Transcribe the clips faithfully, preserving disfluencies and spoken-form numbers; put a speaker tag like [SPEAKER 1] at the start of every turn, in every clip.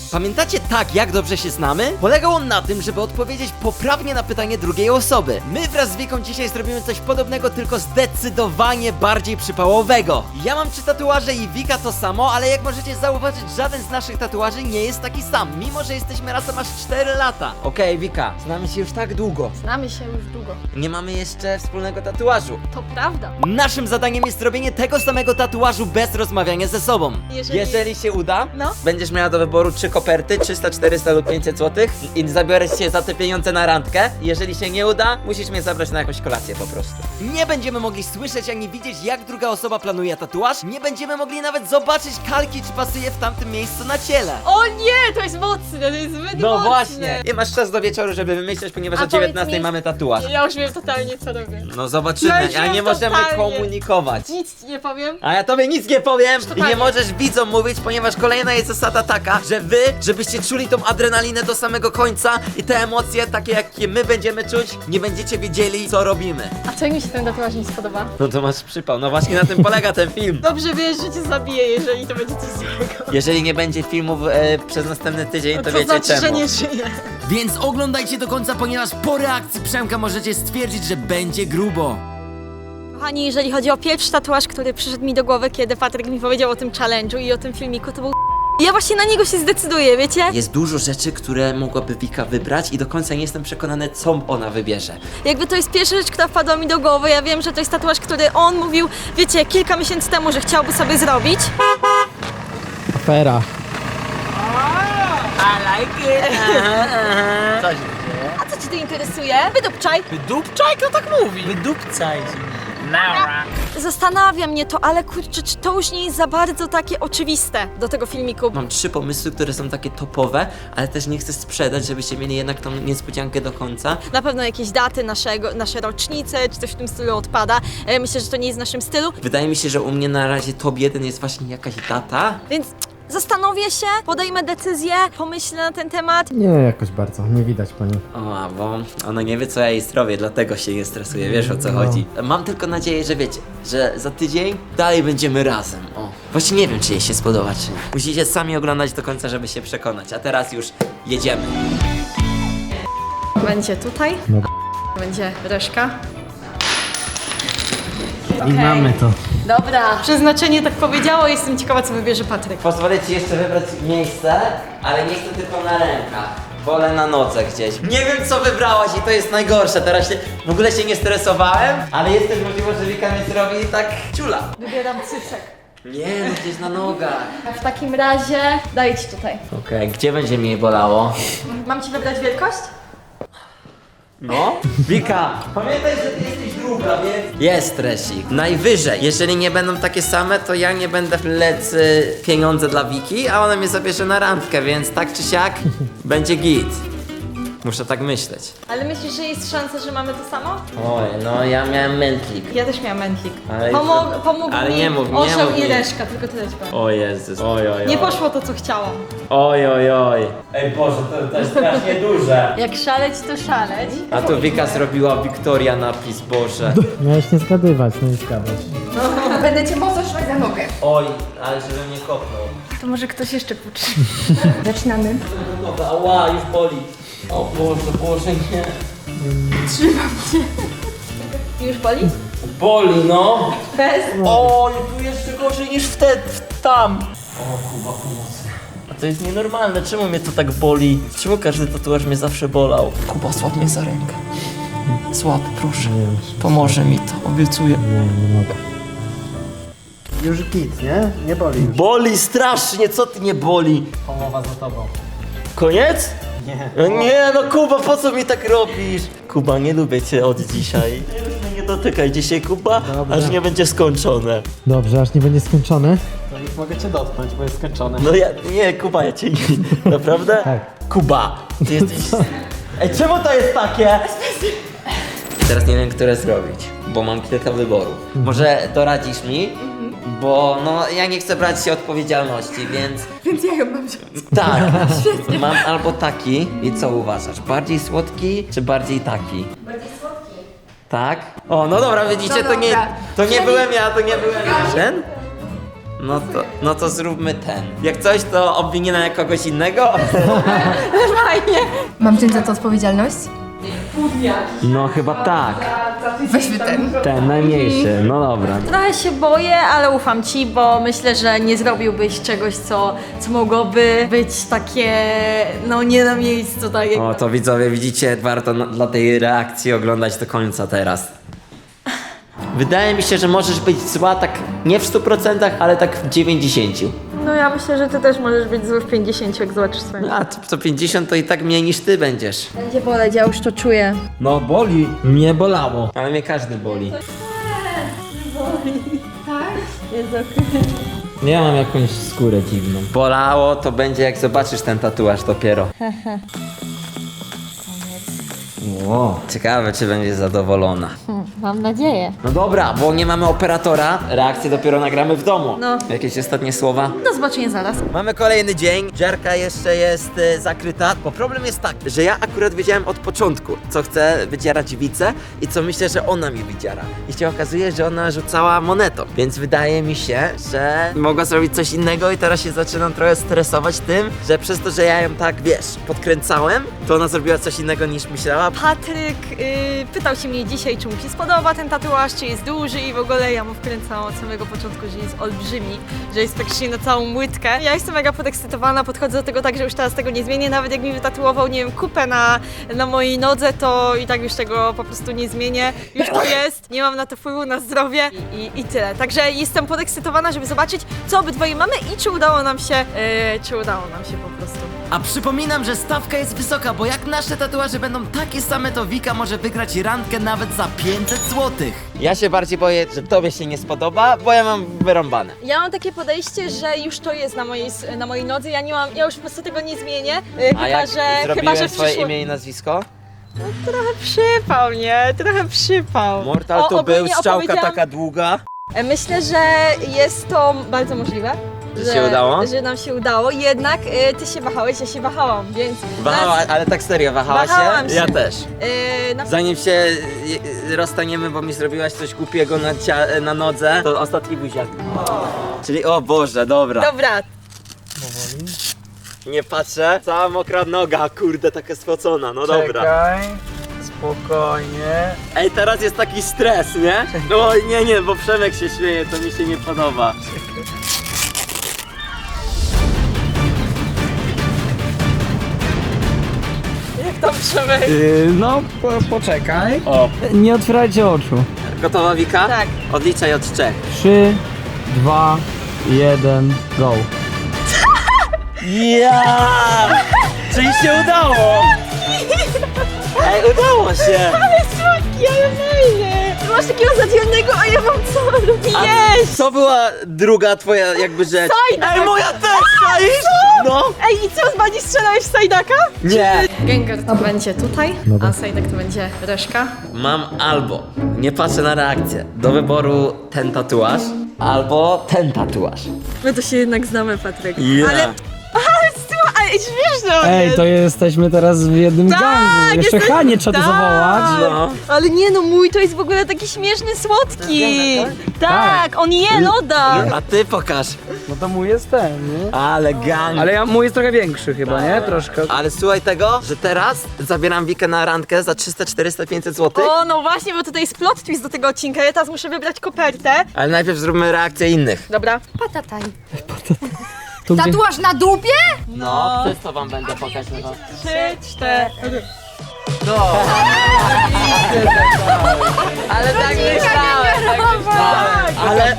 [SPEAKER 1] Pamiętacie tak, jak dobrze się znamy? Polegał on na tym, żeby odpowiedzieć poprawnie na pytanie drugiej osoby. My wraz z Wiką dzisiaj zrobimy coś podobnego, tylko zdecydowanie bardziej przypałowego. Ja mam trzy tatuaże i Wika to samo, ale jak możecie zauważyć, żaden z naszych tatuaży nie jest taki sam, mimo że jesteśmy razem aż cztery lata. Okej, okay, Wika, znamy się już tak długo.
[SPEAKER 2] Znamy się już długo.
[SPEAKER 1] Nie mamy jeszcze wspólnego tatuażu.
[SPEAKER 2] To prawda.
[SPEAKER 1] Naszym zadaniem jest zrobienie tego samego tatuażu bez rozmawiania ze sobą.
[SPEAKER 2] Jeżeli-
[SPEAKER 1] Jeżeli się uda,
[SPEAKER 2] No.
[SPEAKER 1] będziesz miała do wyboru trzy koperty, trzysta, czterysta lub pięćset złotych i zabiorę cię za te pieniądze na randkę. Jeżeli się nie uda, musisz mnie zabrać na jakąś kolację po prostu. Nie będziemy mogli słyszeć ani widzieć, jak druga osoba planuje tatuaż. Nie będziemy mogli nawet zobaczyć kalki, czy pasuje w tamtym miejscu na ciele.
[SPEAKER 2] O nie, to jest mocne, to jest zbyt
[SPEAKER 1] No
[SPEAKER 2] mocne.
[SPEAKER 1] właśnie. Nie masz czas do wieczoru, żeby wymyśleć, ponieważ
[SPEAKER 2] A
[SPEAKER 1] o dziewiętnastej
[SPEAKER 2] powiedz mi-
[SPEAKER 1] mamy tatuaż.
[SPEAKER 2] Ja już wiem totalnie co robię.
[SPEAKER 1] No zobaczymy,
[SPEAKER 2] Ja już
[SPEAKER 1] a
[SPEAKER 2] wiem
[SPEAKER 1] nie możemy
[SPEAKER 2] totalnie.
[SPEAKER 1] komunikować.
[SPEAKER 2] Nic ci nie powiem.
[SPEAKER 1] A ja tobie nic nie powiem i
[SPEAKER 2] Totalnie.
[SPEAKER 1] nie możesz widzom mówić, ponieważ kolejna jest zasada taka, że wy, żebyście czuli tą adrenalinę do samego końca i te emocje, takie jakie my będziemy czuć, nie będziecie wiedzieli, co robimy.
[SPEAKER 2] A co jak mi się ten tatuaż nie spodoba?
[SPEAKER 1] No to masz przypał, no właśnie na tym polega ten film.
[SPEAKER 2] Dobrze wiesz, że cię zabiję, jeżeli to będzie coś złego.
[SPEAKER 1] Jeżeli nie będzie filmów e, przez następny tydzień, to,
[SPEAKER 2] To
[SPEAKER 1] wiecie
[SPEAKER 2] znaczy,
[SPEAKER 1] czemu.
[SPEAKER 2] że nie żyję.
[SPEAKER 1] Więc oglądajcie do końca, ponieważ po reakcji Przemka możecie stwierdzić, że będzie grubo.
[SPEAKER 2] Kochani, jeżeli chodzi o pierwszy tatuaż, który przyszedł mi do głowy, kiedy Patryk mi powiedział o tym challenge'u i o tym filmiku, to był ja właśnie na niego się zdecyduję, wiecie?
[SPEAKER 1] Jest dużo rzeczy, które mogłaby Wika wybrać i do końca nie jestem przekonany, co ona wybierze.
[SPEAKER 2] Jakby to jest pierwsza rzecz, która wpadła mi do głowy. Ja wiem, że to jest tatuaż, który on mówił, wiecie, kilka miesięcy temu, że chciałby sobie zrobić.
[SPEAKER 3] Afera.
[SPEAKER 1] Co się dzieje?
[SPEAKER 2] A co ci to interesuje? Wydupczaj.
[SPEAKER 1] Wydupczaj, kto tak mówi? Wydupcaj.
[SPEAKER 2] Zastanawia mnie to, ale kurczę, czy to już nie jest za bardzo takie oczywiste do tego filmiku?
[SPEAKER 1] Mam trzy pomysły, które są takie topowe, ale też nie chcę sprzedać, żebyście mieli jednak tą niespodziankę do końca.
[SPEAKER 2] Na pewno jakieś daty naszego, nasze rocznice, czy coś w tym stylu odpada. E, Myślę, że to nie jest w naszym stylu,
[SPEAKER 1] Wydaje mi się, że u mnie na razie top jeden jest właśnie jakaś data.
[SPEAKER 2] więc zastanowię się, podejmę decyzję, pomyślę na ten temat.
[SPEAKER 3] Nie, jakoś bardzo, nie widać pani.
[SPEAKER 1] O, bo ona nie wie, co ja jej zrobię, dlatego się nie stresuje, wiesz o co
[SPEAKER 3] No.
[SPEAKER 1] chodzi. Mam tylko nadzieję, że wiecie, że za tydzień dalej będziemy razem. O, właśnie nie wiem, czy jej się spodoba, czy nie. Musicie sami oglądać do końca, żeby się przekonać, a teraz już jedziemy.
[SPEAKER 2] Będzie tutaj,
[SPEAKER 3] No.
[SPEAKER 2] będzie reszka.
[SPEAKER 3] I mamy to.
[SPEAKER 2] Dobra. Przeznaczenie tak powiedziało, jestem ciekawa, co wybierze Patryk.
[SPEAKER 1] Pozwolę ci jeszcze wybrać miejsce, ale nie chcę tylko na rękach. Wolę na nodze gdzieś. Nie wiem, co wybrałaś i to jest najgorsze. Teraz się, w ogóle się nie stresowałem, ale jest też możliwość, że Wika mnie zrobi tak ciula.
[SPEAKER 2] Wybieram cycek.
[SPEAKER 1] Nie, no gdzieś na nogach.
[SPEAKER 2] W takim razie daję ci tutaj.
[SPEAKER 1] Okej, gdzie będzie mnie bolało?
[SPEAKER 2] Mam ci wybrać wielkość?
[SPEAKER 1] No? Wika, pamiętaj, że ty jesteś druga, więc... Jest stresik. Najwyżej. Jeżeli nie będą takie same, to ja nie będę wlec y, pieniądze dla Wiki, a ona mnie zabierze na randkę, więc tak czy siak będzie git. Muszę tak myśleć.
[SPEAKER 2] Ale myślisz, że jest szansa, że mamy to samo?
[SPEAKER 1] Oj, no ja miałem mętlik.
[SPEAKER 2] Ja też miałam mętlik.
[SPEAKER 1] Ale-
[SPEAKER 2] Pomog, pomógł
[SPEAKER 1] ale
[SPEAKER 2] mi
[SPEAKER 1] nie mów, nie
[SPEAKER 2] orzeł
[SPEAKER 1] mów
[SPEAKER 2] i
[SPEAKER 1] mi.
[SPEAKER 2] reszka, tylko tyle ci powiem.
[SPEAKER 1] O Jezus. Oj, oj, oj.
[SPEAKER 2] Nie poszło to, co chciałam.
[SPEAKER 1] Oj, oj, oj. Ej Boże, to, to jest strasznie duże.
[SPEAKER 2] Jak szaleć, to szaleć.
[SPEAKER 1] A tu Wika zrobiła Wiktoria napis, Boże.
[SPEAKER 3] Miałeś nie zgadywać, no i zgadłeś.
[SPEAKER 4] Będę cię mocno trzymać za nogę.
[SPEAKER 1] Oj, ale żeby mnie kopnął.
[SPEAKER 4] To może ktoś jeszcze puczy. Zaczynamy.
[SPEAKER 1] Dobra, ała, już boli. O Boże, Boże, nie.
[SPEAKER 2] Już boli?
[SPEAKER 1] Boli, no.
[SPEAKER 2] Bez?
[SPEAKER 1] Oj, tu jeszcze gorzej niż wtedy, tam. O, Kuba, pomocy. A to jest nienormalne, czemu mnie to tak boli? Czemu każdy tatuaż mnie zawsze bolał? Kuba, złap mnie za rękę. Złap, proszę.
[SPEAKER 3] Nie wiem,
[SPEAKER 1] Pomoże mi to, obiecuję.
[SPEAKER 3] nie, nie mogę. Już git, nie? Nie boli już.
[SPEAKER 1] Boli strasznie, co ty nie boli?
[SPEAKER 3] Połowa za tobą.
[SPEAKER 1] Koniec?
[SPEAKER 3] Nie.
[SPEAKER 1] No nie, no Kuba, po co mi tak robisz? Kuba, nie lubię cię od dzisiaj. Już mnie nie dotykaj dzisiaj, Kuba,
[SPEAKER 3] Dobra.
[SPEAKER 1] aż nie będzie skończone.
[SPEAKER 3] Dobrze, aż nie będzie skończony. To już mogę cię dotknąć, bo jest skończony.
[SPEAKER 1] No ja, nie, Kuba, ja cię nie, naprawdę?
[SPEAKER 3] Tak.
[SPEAKER 1] Kuba, ty jesteś... Ej, czemu to jest takie? Teraz nie wiem, które zrobić, bo mam kilka wyborów. Może doradzisz mi? Bo no, ja nie chcę brać się odpowiedzialności, więc...
[SPEAKER 4] Więc ja ją mam wziąć.
[SPEAKER 1] Tak, mam albo taki i co uważasz? Bardziej słodki czy bardziej taki?
[SPEAKER 4] Bardziej słodki.
[SPEAKER 1] Tak? O, no dobra, widzicie,
[SPEAKER 4] No
[SPEAKER 1] to nie,
[SPEAKER 4] dobra.
[SPEAKER 1] to nie byłem ja, to nie byłem ja. Ten? No to, no to zróbmy ten. Jak coś, to obwinię na kogoś innego?
[SPEAKER 2] Fajnie.
[SPEAKER 4] Mam wziąć za to odpowiedzialność?
[SPEAKER 1] No chyba tak.
[SPEAKER 4] Weźmy ten.
[SPEAKER 1] Ten najmniejszy, no dobra.
[SPEAKER 2] Trochę się boję, ale ufam ci, bo myślę, że nie zrobiłbyś czegoś, co, co mogłoby być takie, no nie na miejscu, tak jak...
[SPEAKER 1] O, to widzowie, widzicie, warto na, dla tej reakcji oglądać do końca teraz. Wydaje mi się, że możesz być zła tak nie w stu procentach, ale tak w dziewięćdziesięciu.
[SPEAKER 2] No ja myślę, że ty też możesz być zły w pięćdziesięciu, jak zobaczysz swoje.
[SPEAKER 1] A, to, to pięćdziesiąt to i tak mniej niż ty będziesz.
[SPEAKER 2] Będzie boleć, ja już to czuję.
[SPEAKER 1] No boli. Mnie bolało. Ale mnie każdy boli. Ja mam jakąś skórę dziwną. Bolało to będzie jak zobaczysz ten tatuaż dopiero. Ło, ciekawe czy będzie zadowolona.
[SPEAKER 2] Mam nadzieję.
[SPEAKER 1] No dobra, bo nie mamy operatora, reakcję dopiero nagramy w domu.
[SPEAKER 2] No.
[SPEAKER 1] Jakieś ostatnie słowa?
[SPEAKER 2] Do zobaczenia zaraz.
[SPEAKER 1] Mamy kolejny dzień, dziarka jeszcze jest e, zakryta, bo problem jest taki, że ja akurat wiedziałem od początku, co chcę wydzierać Wicę i co myślę, że ona mi wydziera. I się okazuje, że ona rzucała monetą, więc wydaje mi się, że mogła zrobić coś innego i teraz się zaczynam trochę stresować tym, że przez to, że ja ją tak, wiesz, podkręcałem, to ona zrobiła coś innego niż myślała.
[SPEAKER 2] Patryk yy, pytał się mnie dzisiaj, czy mu się spodoba ten tatuaż, czy jest duży i w ogóle ja mu wkręcałam od samego początku, że jest olbrzymi, że jest praktycznie na całą łydkę. Ja jestem mega podekscytowana, podchodzę do tego tak, że już teraz tego nie zmienię, nawet jak mi wytatuował, nie wiem, kupę na, na mojej nodze, to i tak już tego po prostu nie zmienię. Już to jest, nie mam na to wpływu na zdrowie i, i, i tyle. Także jestem podekscytowana, żeby zobaczyć, co obydwoje mamy i czy udało nam się, yy, czy udało nam się po prostu.
[SPEAKER 1] A przypominam, że stawka jest wysoka, bo jak nasze tatuaże będą takie same, to Wika może wygrać randkę nawet za pięćset złotych. Ja się bardziej boję, że tobie się nie spodoba, bo ja mam wyrąbane.
[SPEAKER 2] Ja mam takie podejście, że już to jest na mojej, na mojej nodze, ja nie mam, ja już po prostu tego nie zmienię, yy,
[SPEAKER 1] A
[SPEAKER 2] chyba,
[SPEAKER 1] jak
[SPEAKER 2] że,
[SPEAKER 1] zrobiłem
[SPEAKER 2] chyba, że w
[SPEAKER 1] swoje
[SPEAKER 2] przyszło...
[SPEAKER 1] imię i nazwisko?
[SPEAKER 2] No, trochę przypał, nie? Trochę przypał.
[SPEAKER 1] Mortal
[SPEAKER 2] O,
[SPEAKER 1] to był,
[SPEAKER 2] ogólnie
[SPEAKER 1] strzałka
[SPEAKER 2] opowiedziałam-
[SPEAKER 1] taka długa.
[SPEAKER 2] E, Myślę, że jest to bardzo możliwe.
[SPEAKER 1] Że się udało?
[SPEAKER 2] Że nam się udało, jednak y, ty się wahałeś, ja się wahałam, więc...
[SPEAKER 1] Wahała,
[SPEAKER 2] nas-
[SPEAKER 1] ale tak serio, wahała
[SPEAKER 2] Wahałam
[SPEAKER 1] się?
[SPEAKER 2] się.
[SPEAKER 1] Ja też.
[SPEAKER 2] y, na...
[SPEAKER 1] Zanim się y, y, rozstaniemy, bo mi zrobiłaś coś głupiego na, cia- na nodze, to ostatni buziak. Czyli o Boże, dobra.
[SPEAKER 2] Dobra,
[SPEAKER 1] Nie patrzę. Cała mokra noga, kurde, taka spocona, no dobra.
[SPEAKER 3] Czekaj, spokojnie.
[SPEAKER 1] Ej, teraz jest taki stres, nie? No nie, nie, bo Przemek się śmieje, to mi się nie podoba.
[SPEAKER 2] jak tam Przemek?
[SPEAKER 3] Yy, no, po, poczekaj.
[SPEAKER 1] O,
[SPEAKER 3] Nie otwierajcie oczu.
[SPEAKER 1] gotowa Wika?
[SPEAKER 2] Tak.
[SPEAKER 1] Odliczaj od trzech.
[SPEAKER 3] Trzy, dwa, jeden, go.
[SPEAKER 1] Ja! Czyli się udało! Ej, udało się!
[SPEAKER 2] Ale słodki, ale fajny! Ty masz takiego zadzielnego, a ja mam co robić? Jeść!
[SPEAKER 1] Co była druga twoja jakby rzecz?
[SPEAKER 2] Sajdak!
[SPEAKER 1] Ej, moja też, czaisz? No!
[SPEAKER 2] Ej, i co, Zbadzi, strzelałeś w Sajdaka?
[SPEAKER 1] Nie!
[SPEAKER 2] Gengar to będzie tutaj, a Sajdak to będzie reszka.
[SPEAKER 1] Mam albo, nie patrzę na reakcję, do wyboru ten tatuaż, albo ten tatuaż.
[SPEAKER 2] My to się jednak znamy, Patryk.
[SPEAKER 1] Yeah.
[SPEAKER 2] Ale... Ale słuchaj, śmieszne on
[SPEAKER 3] Ej,
[SPEAKER 2] jest.
[SPEAKER 3] to jesteśmy teraz w jednym
[SPEAKER 2] Tak,
[SPEAKER 3] gangu. Jeszcze
[SPEAKER 2] jesteś-
[SPEAKER 3] Hanie trzeba to
[SPEAKER 2] tak.
[SPEAKER 3] zawołać.
[SPEAKER 1] No.
[SPEAKER 2] Ale nie no, mój to jest w ogóle taki śmieszny, słodki. Tak,
[SPEAKER 3] Tak.
[SPEAKER 2] on je loda.
[SPEAKER 1] A ty pokaż.
[SPEAKER 3] No to mój jest ten, nie?
[SPEAKER 1] Ale gang.
[SPEAKER 3] Ale ja, mój jest trochę większy chyba, nie? Troszkę.
[SPEAKER 1] Ale słuchaj tego, że teraz zabieram Wikę na randkę za trzysta, czterysta, pięćset złotych.
[SPEAKER 2] O, no właśnie, bo tutaj jest plot twist do tego odcinka. Ja teraz muszę wybrać kopertę.
[SPEAKER 1] Ale najpierw zróbmy reakcję innych.
[SPEAKER 2] Dobra.
[SPEAKER 4] Patataj.
[SPEAKER 3] Tu gdzie...
[SPEAKER 4] Tatuaż na dupie?
[SPEAKER 1] No, przez to wam będę pokazać.
[SPEAKER 2] Trzy, cztery.
[SPEAKER 1] No.
[SPEAKER 2] Ale tak myślałem, tak myślałem.
[SPEAKER 1] Ale...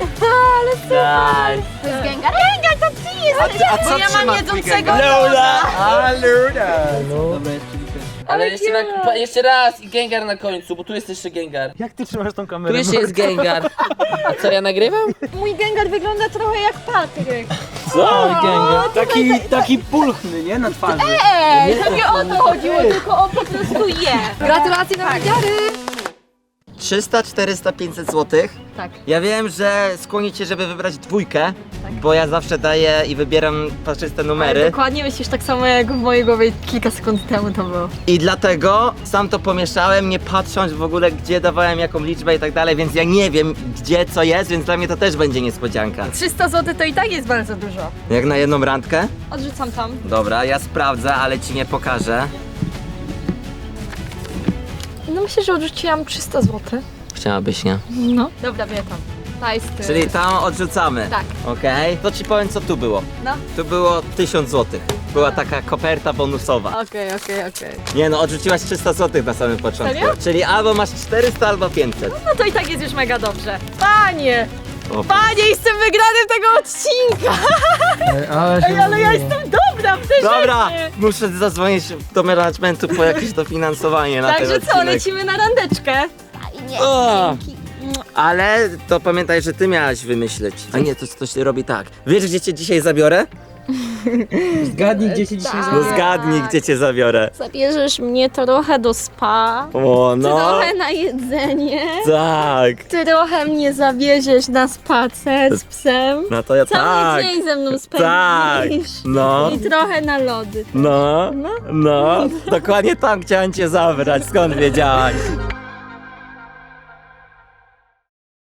[SPEAKER 1] Ale
[SPEAKER 4] To jest Gengar?
[SPEAKER 2] Gengar, to ty jesteś.
[SPEAKER 1] A co
[SPEAKER 2] Bo ja mam
[SPEAKER 1] trzyma
[SPEAKER 2] jedzącego
[SPEAKER 1] Lola!
[SPEAKER 3] No.
[SPEAKER 5] Ale jeszcze, na, pa- jeszcze raz i Gengar na końcu, bo tu jest jeszcze Gengar.
[SPEAKER 3] Jak ty trzymasz tą
[SPEAKER 5] Tu
[SPEAKER 3] kamerę?
[SPEAKER 5] jeszcze jest Gengar. A co, ja nagrywam?
[SPEAKER 2] Mój Gengar wygląda trochę jak Patryk.
[SPEAKER 1] Co?
[SPEAKER 3] Taki, taki pulchny, nie? Na twarzy.
[SPEAKER 2] Ej, to nie o to chodziło, tylko on po prostu je.
[SPEAKER 4] Gratulacje na wydziary!
[SPEAKER 1] trzysta, czterysta, pięćset złotych.
[SPEAKER 2] Tak.
[SPEAKER 1] Ja wiem, że skłoni cię, żeby wybrać dwójkę,
[SPEAKER 2] Tak.
[SPEAKER 1] bo ja zawsze daję i wybieram parzyste
[SPEAKER 2] Ale
[SPEAKER 1] numery.
[SPEAKER 2] dokładnie myślisz tak samo jak w mojej głowie kilka sekund temu to było.
[SPEAKER 1] I dlatego sam to pomieszałem, nie patrząc w ogóle gdzie dawałem jaką liczbę i tak dalej, więc ja nie wiem gdzie co jest, więc dla mnie to też będzie niespodzianka.
[SPEAKER 2] trzysta złotych to i tak jest bardzo dużo.
[SPEAKER 1] Jak na jedną randkę?
[SPEAKER 2] Odrzucam tam.
[SPEAKER 1] Dobra, ja sprawdzę, ale ci nie pokażę.
[SPEAKER 2] No myślę, że odrzuciłam trzysta złotych.
[SPEAKER 1] Chciałabyś, nie?
[SPEAKER 2] No. Dobra, wie tam. Ta jest... y,
[SPEAKER 1] Czyli tam odrzucamy.
[SPEAKER 2] Tak.
[SPEAKER 1] Okej. To ci powiem co tu było.
[SPEAKER 2] No.
[SPEAKER 1] Tu było tysiąc złotych. Była taka koperta bonusowa.
[SPEAKER 2] Okej, okej, okej.
[SPEAKER 1] Nie no, odrzuciłaś trzysta złotych na samym początku.
[SPEAKER 2] Serio?
[SPEAKER 1] Czyli albo masz czterysta, albo pięćset.
[SPEAKER 2] No to i tak jest już mega dobrze. Panie!
[SPEAKER 1] O,
[SPEAKER 2] Panie, jestem wygranym tego odcinka!
[SPEAKER 3] Ej, ale się
[SPEAKER 2] Ej, ale ja
[SPEAKER 3] rozumiem.
[SPEAKER 2] jestem dobra w tej
[SPEAKER 1] Dobra,
[SPEAKER 2] rzeczy!
[SPEAKER 1] muszę zadzwonić do managementu po jakieś dofinansowanie na ten
[SPEAKER 2] Także
[SPEAKER 1] odcinek.
[SPEAKER 2] co, lecimy na randeczkę?
[SPEAKER 1] O! Ale to pamiętaj, że ty miałaś wymyśleć. A nie, to ktoś robi tak. Wiesz, gdzie cię dzisiaj zabiorę?
[SPEAKER 3] Zgadnij, gdzie cię dzisiaj
[SPEAKER 2] Tak.
[SPEAKER 1] No
[SPEAKER 3] zabiorę.
[SPEAKER 1] zgadnij, gdzie cię zabiorę.
[SPEAKER 2] Zabierzesz mnie trochę do spa,
[SPEAKER 1] O, no.
[SPEAKER 2] trochę na jedzenie,
[SPEAKER 1] Tak.
[SPEAKER 2] trochę mnie zawieziesz na spacer z psem.
[SPEAKER 1] No to ja
[SPEAKER 2] Cały
[SPEAKER 1] tak.
[SPEAKER 2] dzień ze mną
[SPEAKER 1] Tak.
[SPEAKER 2] spędzisz.
[SPEAKER 1] No.
[SPEAKER 2] I trochę na lody.
[SPEAKER 1] No.
[SPEAKER 2] No.
[SPEAKER 1] No. Dokładnie tam chciałem cię zabrać. Skąd wiedziałaś?